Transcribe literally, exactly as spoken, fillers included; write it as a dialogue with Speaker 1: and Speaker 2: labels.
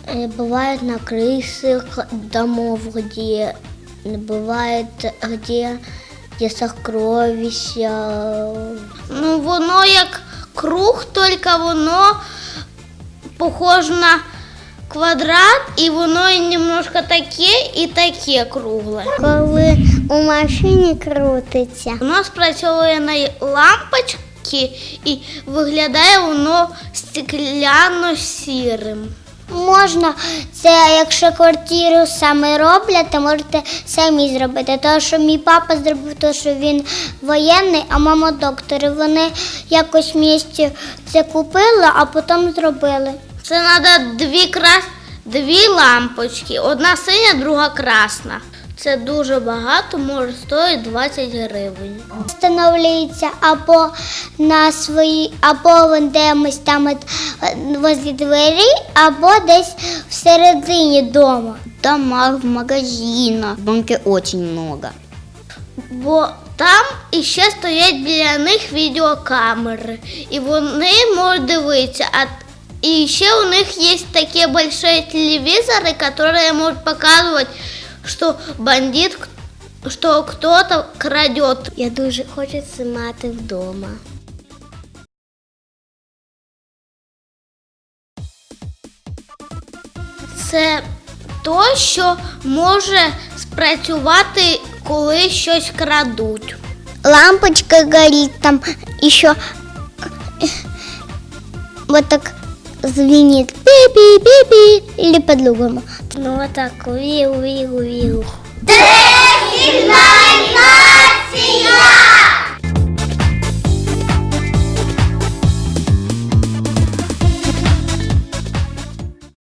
Speaker 1: Бывает на крышах домов, где бывает, где є сокровища.
Speaker 2: Ну, воно як круг, тільки воно похоже на квадрат, і воно і немножко таке, і таке кругле.
Speaker 1: Коли у машині крутиться.
Speaker 2: Воно спрацьовує на лампочки і виглядає воно стекляно-сірим.
Speaker 1: Можна, це якщо квартиру саме роблять, то можете самі зробити. Тому що мій папа зробив те, що він воєнний, а мама доктор. І вони якось в місті це купили, а потім зробили.
Speaker 2: Це треба дві, крас... дві лампочки, одна синя, друга красна. Це дуже багато, може стоїть двадцять гривень.
Speaker 1: Встановлюється або на свої, або десь там возле двері, або десь всередині дома.
Speaker 3: В домах, в магазинах, в банке очень много.
Speaker 2: Бо там іще стоять біля них відеокамери, і вони можуть дивитися. А і ще у них є такі великі телевізори, які можуть показувати, що бандит, що хтось краде.
Speaker 1: Я дуже хочу це мати вдома.
Speaker 2: Це то, що може спрацювати, коли щось крадуть.
Speaker 1: Лампочка горит, там еще вот так звенит пи-пи-пи-пи или по-другому. Ну вот так, виу-виу-виу.
Speaker 4: Десигнальная!